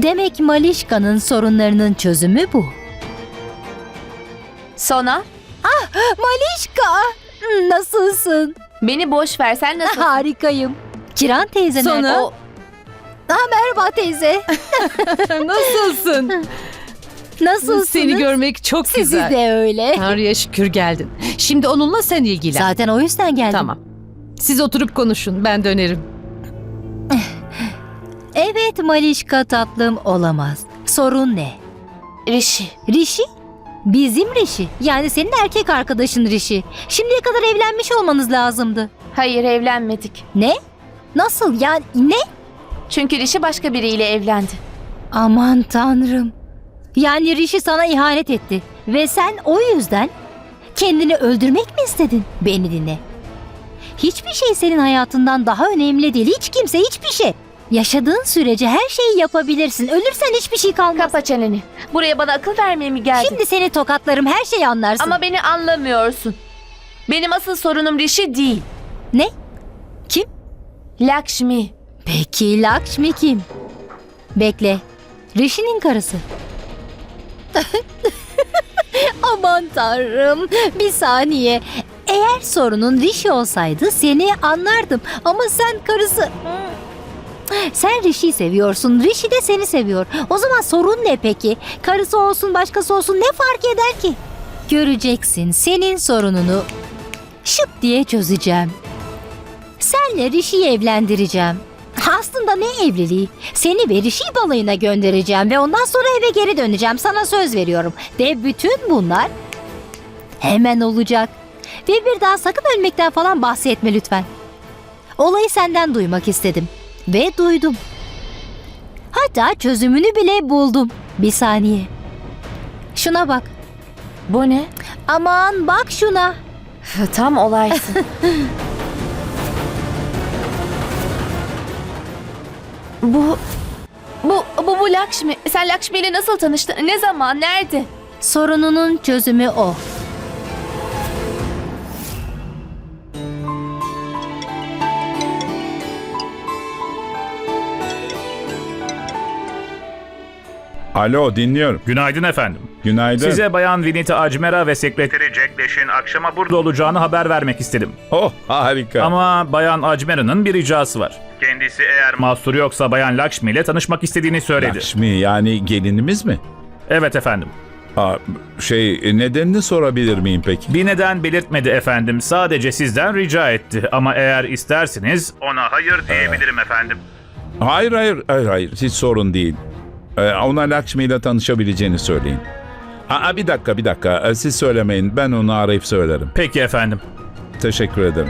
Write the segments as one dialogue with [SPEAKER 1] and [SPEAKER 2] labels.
[SPEAKER 1] Demek Malişka'nın sorunlarının çözümü bu.
[SPEAKER 2] Sona,
[SPEAKER 1] Malişka! Nasılsın?
[SPEAKER 2] beni boş ver. Sen nasılsın?
[SPEAKER 1] Harikayım. Kiran teyze nerede?
[SPEAKER 3] Sona.
[SPEAKER 1] Merhaba teyze.
[SPEAKER 3] Nasılsın?
[SPEAKER 1] Nasılsınız?
[SPEAKER 3] Seni görmek çok
[SPEAKER 1] Sizi
[SPEAKER 3] güzel.
[SPEAKER 1] de öyle.
[SPEAKER 3] Tanrı'ya şükür geldin. Şimdi onunla sen ilgilen.
[SPEAKER 1] Zaten o yüzden geldim.
[SPEAKER 3] Tamam. Siz oturup konuşun, ben dönerim.
[SPEAKER 1] Evet Malişka tatlım, olamaz. Sorun ne?
[SPEAKER 2] Rishi.
[SPEAKER 1] Rishi? Bizim Rishi. Yani senin erkek arkadaşın Rishi. Şimdiye kadar evlenmiş olmanız lazımdı.
[SPEAKER 2] Hayır, evlenmedik.
[SPEAKER 1] Ne? Nasıl yani ne?
[SPEAKER 2] Çünkü Rishi başka biriyle evlendi.
[SPEAKER 1] Aman tanrım. Yani Rishi sana ihanet etti. Ve sen o yüzden kendini öldürmek mi istedin? Beni dinle. Hiçbir şey senin hayatından daha önemli değil. Hiç kimse, hiçbir şey. Yaşadığın sürece her şeyi yapabilirsin. Ölürsen hiçbir şey kalmaz.
[SPEAKER 2] Kapa çeneni. Buraya bana akıl vermeye mi geldin?
[SPEAKER 1] Şimdi seni tokatlarım, her şeyi anlarsın.
[SPEAKER 2] Ama beni anlamıyorsun. Benim asıl sorunum Rishi değil.
[SPEAKER 1] Ne? Kim?
[SPEAKER 2] Lakshmi.
[SPEAKER 1] Peki Lakshmi kim? Bekle. Rishi'nin karısı. Aman tanrım. Bir saniye. Eğer sorunun Rishi olsaydı seni anlardım. Ama sen karısı... Sen Rishi'yi seviyorsun. Rishi de seni seviyor. O zaman sorun ne peki? Karısı olsun başkası olsun ne fark eder ki? Göreceksin, senin sorununu şıp diye çözeceğim. Senle Rishi'yi evlendireceğim. Aslında ne evliliği? Seni ve Rishi'yi balayına göndereceğim ve ondan sonra eve geri döneceğim. Sana söz veriyorum. Ve bütün bunlar hemen olacak. Ve bir daha sakın ölmekten falan bahsetme lütfen. Olayı senden duymak istedim. Ve duydum. Hatta çözümünü bile buldum. Bir saniye. Şuna bak.
[SPEAKER 2] Bu ne?
[SPEAKER 1] Aman bak şuna.
[SPEAKER 2] Tam olaysın. Bu Lakshmi. Sen Lakshmi ile nasıl tanıştın? Ne zaman? Nerede?
[SPEAKER 1] Sorununun çözümü o.
[SPEAKER 4] Alo, dinliyorum.
[SPEAKER 5] Günaydın efendim.
[SPEAKER 4] Günaydın.
[SPEAKER 5] Size Bayan Vinita Ajmera ve sekreteri Jack Leş'in akşama burada olacağını haber vermek istedim.
[SPEAKER 4] Oh, harika.
[SPEAKER 5] Ama Bayan Ajmera'nın bir ricası var. Kendisi eğer mahsuru yoksa Bayan Lakshmi ile tanışmak istediğini söyledi.
[SPEAKER 4] Lakshmi yani gelinimiz mi?
[SPEAKER 5] Evet efendim.
[SPEAKER 4] Nedenini sorabilir miyim peki?
[SPEAKER 5] Bir neden belirtmedi efendim. Sadece sizden rica etti. Ama eğer isterseniz ona hayır diyebilirim efendim.
[SPEAKER 4] Hayır. Hiç sorun değil. Ona Lakshmi ile tanışabileceğini söyleyin. Bir dakika. Siz söylemeyin. Ben onu arayıp söylerim.
[SPEAKER 5] Peki efendim.
[SPEAKER 4] Teşekkür ederim.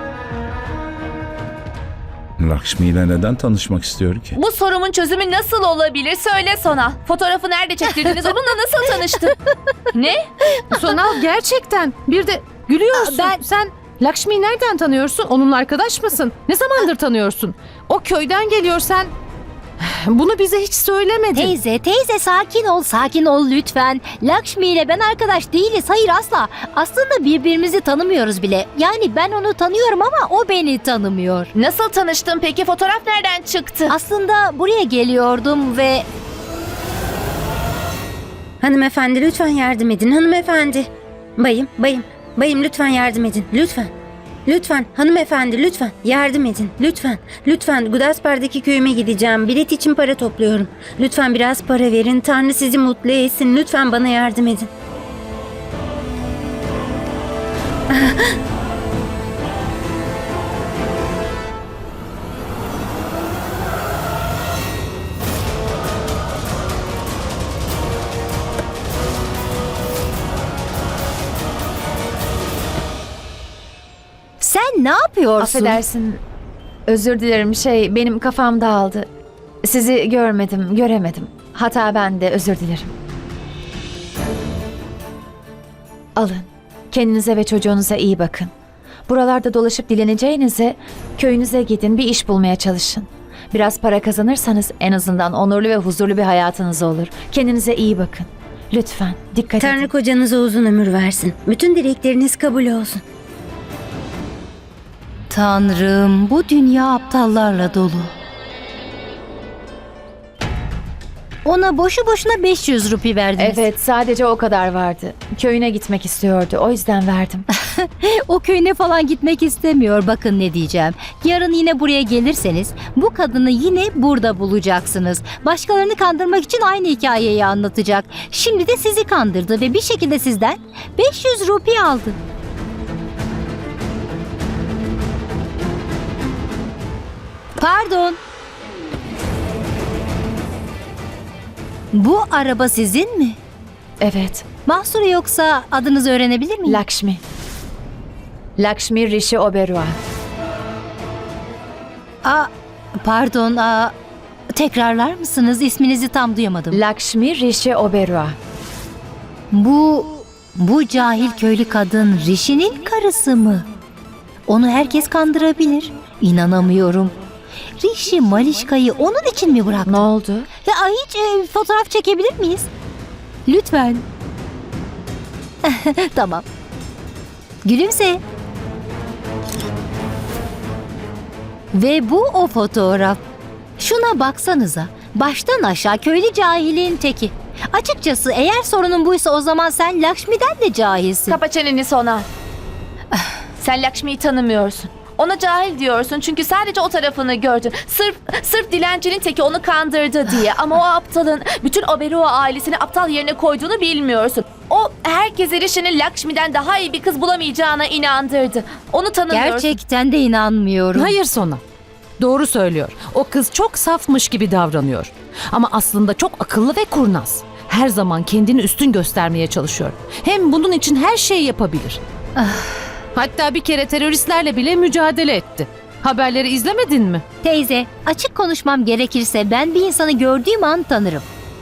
[SPEAKER 4] Lakshmi ile neden tanışmak istiyor ki?
[SPEAKER 2] Bu sorumun çözümü nasıl olabilir? Söyle Sona. Fotoğrafı nerede çektirdiniz? Onunla nasıl tanıştın? Ne?
[SPEAKER 3] Sonal gerçekten. Bir de gülüyorsun. Sen Lakshmi'yi nereden tanıyorsun? Onunla arkadaş mısın? Ne zamandır tanıyorsun? O köyden geliyor sen. Bunu bize hiç söylemedin.
[SPEAKER 1] Teyze sakin ol lütfen. Lakshmi ile ben arkadaş değiliz. Hayır asla. Aslında birbirimizi tanımıyoruz bile. Yani ben onu tanıyorum ama o beni tanımıyor.
[SPEAKER 2] Nasıl tanıştın peki? Fotoğraf nereden çıktı?
[SPEAKER 1] Aslında buraya geliyordum ve...
[SPEAKER 6] Hanımefendi lütfen yardım edin hanımefendi. Bayım lütfen yardım edin lütfen. Lütfen hanımefendi lütfen yardım edin lütfen Gudaspar'daki köyüme gideceğim, bilet için para topluyorum. Lütfen biraz para verin, Tanrı sizi mutlu etsin, lütfen bana yardım edin.
[SPEAKER 1] Sen ne yapıyorsun?
[SPEAKER 2] Affedersin. Özür dilerim. Benim kafam dağıldı. Sizi göremedim. Hata bende. Özür dilerim. Alın. Kendinize ve çocuğunuza iyi bakın. Buralarda dolaşıp dileneceğinize köyünüze gidin, bir iş bulmaya çalışın. Biraz para kazanırsanız en azından onurlu ve huzurlu bir hayatınız olur. Kendinize iyi bakın. Lütfen dikkat
[SPEAKER 6] Tanrı
[SPEAKER 2] edin.
[SPEAKER 6] kocanıza uzun ömür versin. Bütün dilekleriniz kabul olsun.
[SPEAKER 1] Tanrım, bu dünya aptallarla dolu. Ona boşu boşuna 500 rupi verdiniz.
[SPEAKER 2] Evet, sadece o kadar vardı. Köyüne gitmek istiyordu. O yüzden verdim.
[SPEAKER 1] O köyüne falan gitmek istemiyor. Bakın ne diyeceğim. Yarın yine buraya gelirseniz bu kadını yine burada bulacaksınız. Başkalarını kandırmak için aynı hikayeyi anlatacak. Şimdi de sizi kandırdı ve bir şekilde sizden 500 rupi aldı. Pardon. Bu araba sizin mi?
[SPEAKER 2] Evet.
[SPEAKER 1] Mahsur yoksa adınızı öğrenebilir miyim?
[SPEAKER 2] Lakshmi. Lakshmi Rishi Oberoi.
[SPEAKER 1] Pardon, tekrarlar mısınız? İsminizi tam duyamadım.
[SPEAKER 2] Lakshmi Rishi Oberoi.
[SPEAKER 1] Bu cahil köylü kadın Rishi'nin karısı mı? Onu herkes kandırabilir. İnanamıyorum. Rishi Malişka'yı onun için mi bıraktı?
[SPEAKER 2] Ne oldu?
[SPEAKER 1] Ya hiç fotoğraf çekebilir miyiz? Lütfen. Tamam. Gülümse. Ve bu o fotoğraf. Şuna baksanıza. Baştan aşağı köylü cahilin teki. Açıkçası eğer sorunun buysa o zaman sen Lakshmi'den de cahilsin.
[SPEAKER 2] Kapa çeneni Sona. Sen Lakshmi'yi tanımıyorsun. Ona cahil diyorsun çünkü sadece o tarafını gördün. Sırf dilencinin teki onu kandırdı diye. Ama o aptalın bütün Oberoi ailesini aptal yerine koyduğunu bilmiyorsun. O herkese Rishi'nin Lakshmi'den daha iyi bir kız bulamayacağına inandırdı. Onu tanımıyorsun.
[SPEAKER 1] Gerçekten de inanmıyorum.
[SPEAKER 3] Hayır Sona. Doğru söylüyor. O kız çok safmış gibi davranıyor. Ama aslında çok akıllı ve kurnaz. Her zaman kendini üstün göstermeye çalışıyor. Hem bunun için her şeyi yapabilir. Hatta bir kere teröristlerle bile mücadele etti. Haberleri izlemedin mi?
[SPEAKER 1] Teyze, açık konuşmam gerekirse ben bir insanı gördüğüm an tanırım.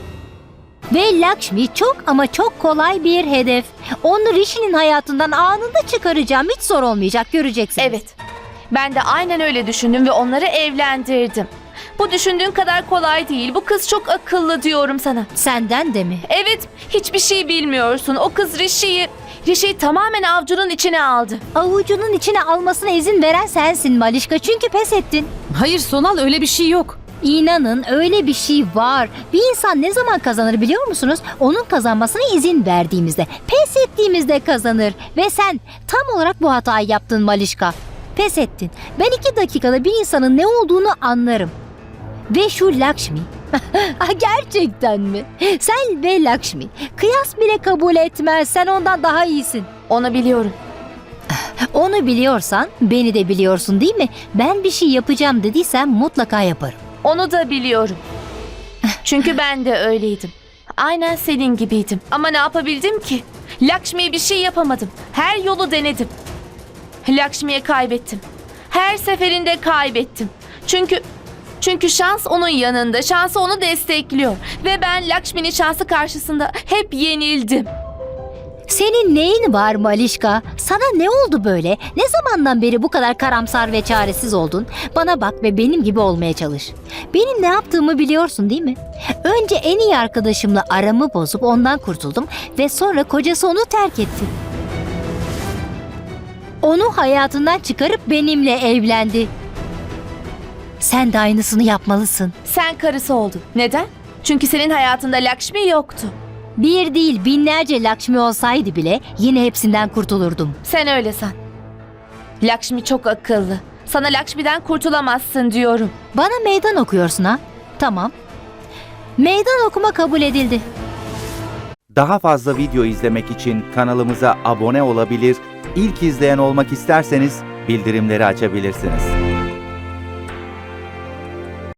[SPEAKER 1] Ve Lakshmi çok ama çok kolay bir hedef. Onu Rishi'nin hayatından anında çıkaracağım. Hiç zor olmayacak, göreceksiniz.
[SPEAKER 2] Evet. Ben de aynen öyle düşündüm ve onları evlendirdim. Bu düşündüğün kadar kolay değil. Bu kız çok akıllı diyorum sana.
[SPEAKER 1] Senden de mi?
[SPEAKER 2] Evet, hiçbir şey bilmiyorsun. O kız Rishi'yi tamamen avcunun içine aldı.
[SPEAKER 1] Avucunun içine almasına izin veren sensin Malişka. Çünkü pes ettin.
[SPEAKER 3] Hayır Sonal, öyle bir şey yok.
[SPEAKER 1] İnanın öyle bir şey var. Bir insan ne zaman kazanır biliyor musunuz? Onun kazanmasına izin verdiğimizde, pes ettiğimizde kazanır. Ve sen tam olarak bu hatayı yaptın Malişka. Pes ettin. Ben 2 dakikada bir insanın ne olduğunu anlarım. Ve şu Lakshmi. Gerçekten mi? Sen ve Lakshmi. Kıyas bile kabul etmez. Sen ondan daha iyisin.
[SPEAKER 2] Onu biliyorum.
[SPEAKER 1] Onu biliyorsan beni de biliyorsun değil mi? Ben bir şey yapacağım dediysem mutlaka yaparım.
[SPEAKER 2] Onu da biliyorum. Çünkü ben de öyleydim. Aynen senin gibiydim. Ama ne yapabildim ki? Lakshmi'ye bir şey yapamadım. Her yolu denedim. Lakshmi'ye kaybettim. Her seferinde kaybettim. Çünkü şans onun yanında. Şansı onu destekliyor. Ve ben Lakshmi'nin şansı karşısında hep yenildim.
[SPEAKER 1] Senin neyin var Malişka? Sana ne oldu böyle? Ne zamandan beri bu kadar karamsar ve çaresiz oldun? Bana bak ve benim gibi olmaya çalış. Benim ne yaptığımı biliyorsun değil mi? Önce en iyi arkadaşımla aramı bozup ondan kurtuldum ve sonra kocası onu terk etti. Onu hayatından çıkarıp benimle evlendi. Sen de aynısını yapmalısın.
[SPEAKER 2] Sen karısı oldun. Neden? Çünkü senin hayatında Lakshmi yoktu.
[SPEAKER 1] Bir değil binlerce Lakshmi olsaydı bile yine hepsinden kurtulurdum.
[SPEAKER 2] Sen öyle san. Lakshmi çok akıllı. Sana Lakshmi'den kurtulamazsın diyorum.
[SPEAKER 1] Bana meydan okuyorsun ha? Tamam. Meydan okuma kabul edildi.
[SPEAKER 7] Daha fazla video izlemek için kanalımıza abone olabilir, ilk izleyen olmak isterseniz bildirimleri açabilirsiniz.